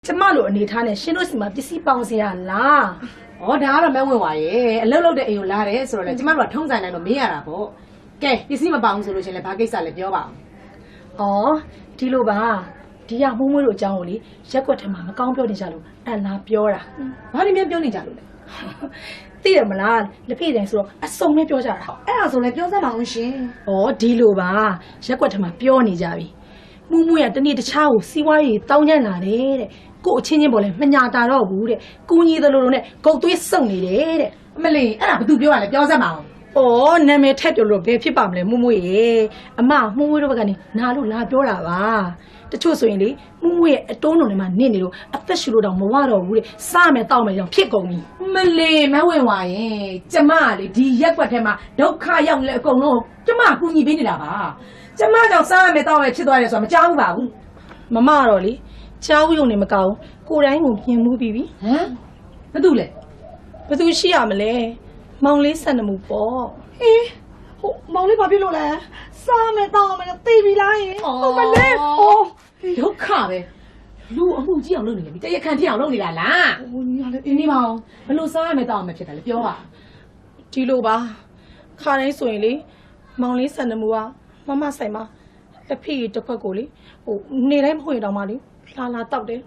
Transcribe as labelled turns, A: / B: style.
A: ကျမလိုအနေထားနဲ့ရှင်တို့စီမှာပစ္စည်းပေါင်းစရာလား
B: ။ဩဒါကတော့မဝင်ပါရဲ့။အလုပ်လုပ်တဲ့အိမ်ကိုလာတယ်ဆိုတော့လေကျမတို့ကထုံးစံတိုင်းတော့မေးရတာပေါ့။ကဲပစ္စည်းမပေါအောင်ဆိုလို့ရှင်လေဘာကိစ္စလဲပြောပါအောင်
A: ဩဒီလိုပါဒီရမှုံးမွေးတို့အကြောင်းကိုလေရက်ွက်ထဲမှာမကောင်းပြောနေကြလို့အလားပြောတာ
B: ။ဘာလို့များပြောနေကြလို့လဲ
A: သိရမလားလက်ဖေးတိုင်းဆိုတော့အစုံနဲ့ပြောကြတာ
B: ။အဲ့ဒါဆိုလည်းပြောစမ်းပါအောင်ရှင်
A: ဩဒီလိုပါရက်ွက်ထဲမှာပြောနေကြပြီမှုံးမွေးကတနေ့တခြားကိုစီးပွားရေးတောင်းကျမ်းလာတယ်တဲ့ကို့အချင်းချင်းပေါ်လဲမညာတာတော့ဘူးတဲ့ကူညီသလိုလိုနဲ့ဂုတ်သွေးစုံနေတယ်တဲ့
B: ။အမလီအဲ့ဒါဘာသူပြောရလဲပြောစမ်းပါအောင်
A: ။အော်နာမည်ထက်ပြောလို့ဘယ်ဖြစ်ပါမလဲမှုမွေရေ။အမမှုမွေတို့ဘက်ကနေနာလို့လာပြောတာပါ။တချို့ဆိုရင်လေမှုမွေရဲ့အတုံးလုံးထဲမှာနစ်နေလို့အသက်ရှူလို့တောင်မဝတော့ဘူးတဲ့။စားမယ်တောက်မယ်ကြောင့်ဖြစ်ကုန်ပြီ
B: ။မလီမဝင်ပါရဲ့။ကျမကလေဒီရက်ွက်ထဲမှာဒုက္ခရောက်လေအကုန်လုံးကျမကူညီပေးနေတာပါ။ကျမကြောင့်စားရမယ်တောင်းမယ်ဖြစ်သွားတယ်ဆိုတာမကြောက်ဘူးပါဘူး
A: ။မမတော့လေကြားဦးယုံနေမကောင်းကိုယ်တိုင်းကိုပြင်မှုပြီးပြီ
B: ။ဟမ်ဘာတူလဲ
A: ။ဘယ်သူရှိရမလဲ။မောင်လေးဆန်နမှုပေါ့
C: ဟေးဟိုမောင်လေးဘာဖြစ်လို့လဲစားမယ်တောင်းမယ်သိပြီလားယင်ဟုတ်မလဲဟို
B: ဒုက္ခပဲလူအမှုကြီးအောင်လုပ်နေတယ်တရခန့်ထအောင်လုပ်နေတာလား
C: ဟိုညာလေ
B: ဒီနေ့မအောင်ဘလို့စားရမယ်တောင်းမယ်ဖြစ်တယ်လေပြောပါ
A: ။ဒီလိုပါ။ခါတိုင်းဆိုရင်လေမောင်လေးဆန်နမှုကမမဆိုင်မှာတစ်ဖိတစ်ခွက်ကိုလေဟိုနေတိုင်းမဟုတ်ရင်တောင်မှလေလာတောက်တယ်